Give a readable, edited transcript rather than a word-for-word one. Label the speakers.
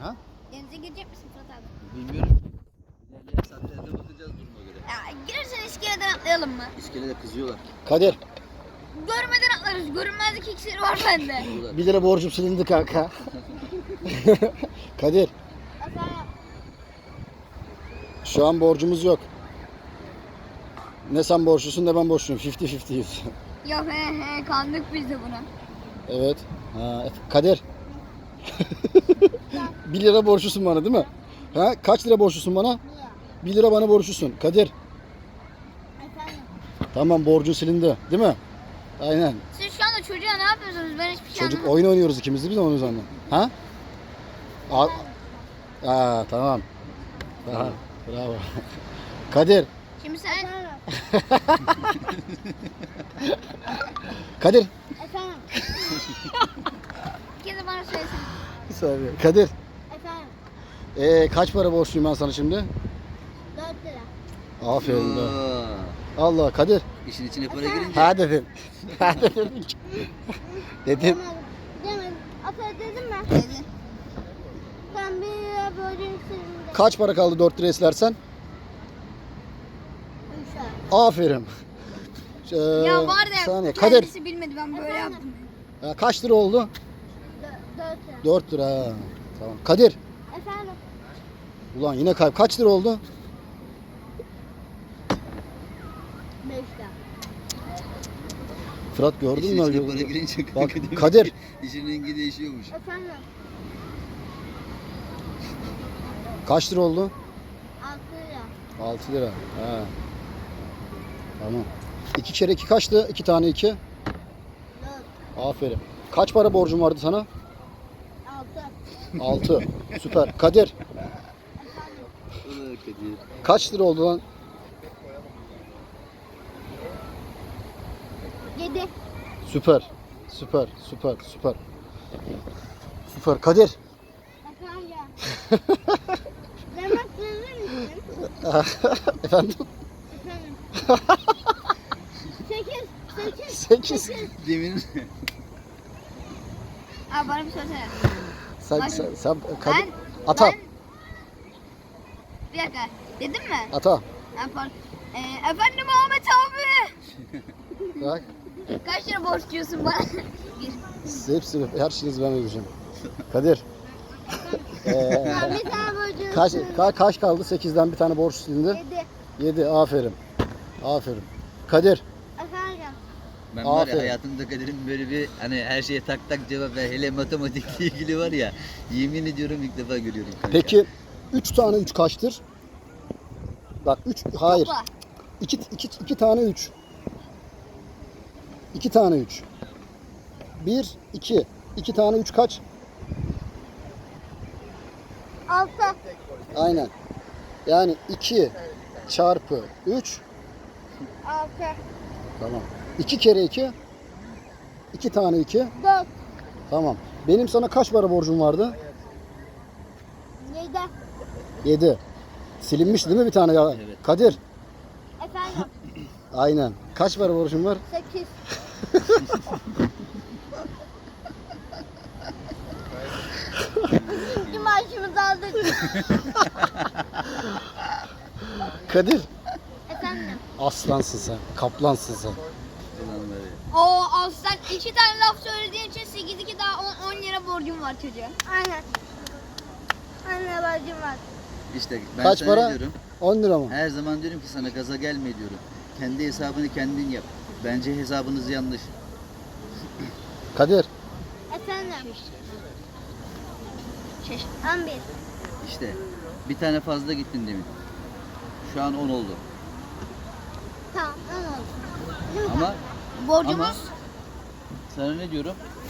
Speaker 1: Ha?
Speaker 2: Denize girecek misin Fırat abi?
Speaker 1: Bilmiyorum. İlerleyen saatlerde bakacağız duruma göre.
Speaker 2: Ya girersen iskeleden atlayalım mı?
Speaker 1: İskelede kızıyorlar.
Speaker 3: Kadir,
Speaker 2: Görmeden atlarız. Görünmezlik iksiri var bende.
Speaker 1: Kızıyorlar.
Speaker 3: 1 lira borcum silindi kanka. Kadir,
Speaker 2: Efendim?
Speaker 3: şu an borcumuz yok. Ne sen borçlusun ne ben borçluyum. 50-50'yiz.
Speaker 2: Yok he kandık biz de buna.
Speaker 3: Evet. Ha, Kadir. 1 lira borçlusun bana değil mi? Ha, kaç lira borçlusun bana? 1 lira bana borçlusun. Kadir.
Speaker 2: Efendim?
Speaker 3: Tamam, borcun silindi değil mi? Aynen.
Speaker 2: Siz şu anda çocuğa ne yapıyorsunuz? Ben hiçbir şey
Speaker 3: Çocuk
Speaker 2: anlamadım.
Speaker 3: oyun oynuyoruz ikimiz de biz de onun üzerinden. Ha? Tamam. Tamam. Bravo. Kadir.
Speaker 2: Şimdi sen...
Speaker 3: Kadir.
Speaker 2: Efendim? Bir kez de bana söylesene.
Speaker 3: Bir saniye. Kadir.
Speaker 2: Efendim?
Speaker 3: Kaç para borçluyum ben sana şimdi?
Speaker 2: 4 lira.
Speaker 3: Aferin be.
Speaker 1: Aa,
Speaker 3: Allah Kadir.
Speaker 1: İşin içine para girince.
Speaker 3: Ha dedim. Ha dedim. Dedim.
Speaker 2: Demedim. Ata dedim mi? Dedi. Sen 1 lira borcunu sildim.
Speaker 3: Kaç para kaldı 4 lira istersen?
Speaker 2: 3 lira.
Speaker 3: Aferin.
Speaker 2: Ya var
Speaker 3: bir
Speaker 2: ya
Speaker 3: saniye.
Speaker 2: kendisi
Speaker 3: Kadir.
Speaker 2: bilmedi ben böyle yaptım.
Speaker 3: Kaç lira oldu?
Speaker 2: 4 lira.
Speaker 3: 4 lira. Ha, tamam. Kadir.
Speaker 2: Efendim?
Speaker 3: Ulan yine kayıp. Kaç lira oldu?
Speaker 2: 5 lira.
Speaker 3: Fırat gördün
Speaker 1: İşin
Speaker 3: mü?
Speaker 1: içine para girince
Speaker 3: Bak,
Speaker 1: kanka demek
Speaker 3: Kadir.
Speaker 1: ki İşin rengi değişiyormuş.
Speaker 2: Efendim?
Speaker 3: Kaç lira oldu?
Speaker 2: 6 lira.
Speaker 3: 6 lira. Ha. Tamam. 2 kere 2 kaçtı? 2 tane 2.
Speaker 2: 4.
Speaker 3: Aferin. Kaç para borcum vardı sana?
Speaker 2: 6.
Speaker 3: 6. Süper. Kadir.
Speaker 1: Ulan Kadir.
Speaker 3: Kaç lira oldu lan?
Speaker 2: 7.
Speaker 3: Süper. Süper. Süper. Süper. Süper. Kadir.
Speaker 2: Efendim? Demek verir misin?
Speaker 3: Efendim?
Speaker 2: Efendim? 8.
Speaker 3: 8.
Speaker 1: Demin
Speaker 2: Abi bana bir söylesene.
Speaker 3: Sen Kadir.
Speaker 2: Ben...
Speaker 3: Ata.
Speaker 2: Ben... Bir dakika. Dedim mi?
Speaker 3: Ata.
Speaker 2: Pardon. Efendim Ahmet abi.
Speaker 3: Bak.
Speaker 2: Kaç lira borçluyorsun bana? 1.
Speaker 3: Hepsini, her şeyinizi ben ödeyeceğim. Kadir.
Speaker 2: Bir tane borcum.
Speaker 3: Kaç kaldı? 8'den bir tane borç silindi.
Speaker 2: 7.
Speaker 3: 7. Aferin. Aferin. Kadir.
Speaker 2: Efendim?
Speaker 1: ben var ya
Speaker 3: Aferin.
Speaker 1: hayatımda Kadir'in böyle bir hani her şeye tak tak cevap ver. Hele matematikle ilgili var ya. Yemin ediyorum ilk defa görüyorum kanka.
Speaker 3: Peki 3 tane 3 kaçtır? Bak 3 hayır.
Speaker 2: Topla.
Speaker 3: 2 tane 3. 2 tane 3. 1 2. 2 tane 3 kaç?
Speaker 2: 6.
Speaker 3: Aynen. Yani 2 çarpı 3.
Speaker 2: 6.
Speaker 3: Tamam. 2 kere 2. 2 tane 2.
Speaker 2: 4.
Speaker 3: Tamam. Benim sana kaç para borcum vardı?
Speaker 2: 7.
Speaker 3: 7. Silinmiş değil mi bir tane ya?
Speaker 1: Evet.
Speaker 3: Kadir.
Speaker 2: Efendim?
Speaker 3: Aynen. Kaç para borcum var?
Speaker 2: 8. İkinci maaşımızı aldık.
Speaker 3: Kadir.
Speaker 2: Efendim?
Speaker 3: Aslansın sen. Kaplansın sen.
Speaker 1: Ulan var ya.
Speaker 2: Oo aslan 2 tane laf söylediğin için 8-2 daha 10 lira borcum var çocuğa. Aynen. 10 lira borcum var.
Speaker 1: İşte ben
Speaker 3: Kaç
Speaker 1: sana
Speaker 3: para?
Speaker 1: diyorum.
Speaker 3: 10 lira mı?
Speaker 1: Her zaman diyorum ki sana gaza gelme diyorum. Kendi hesabını kendin yap. Bence hesabınız yanlış.
Speaker 3: Kadir.
Speaker 2: Efendim? 11.
Speaker 1: İşte bir tane fazla gittin demin. Şu an 10 oldu.
Speaker 2: Tamam 10 oldu. Değil mi?
Speaker 1: Ama
Speaker 2: Borcumuz?
Speaker 1: ama sana ne diyorum?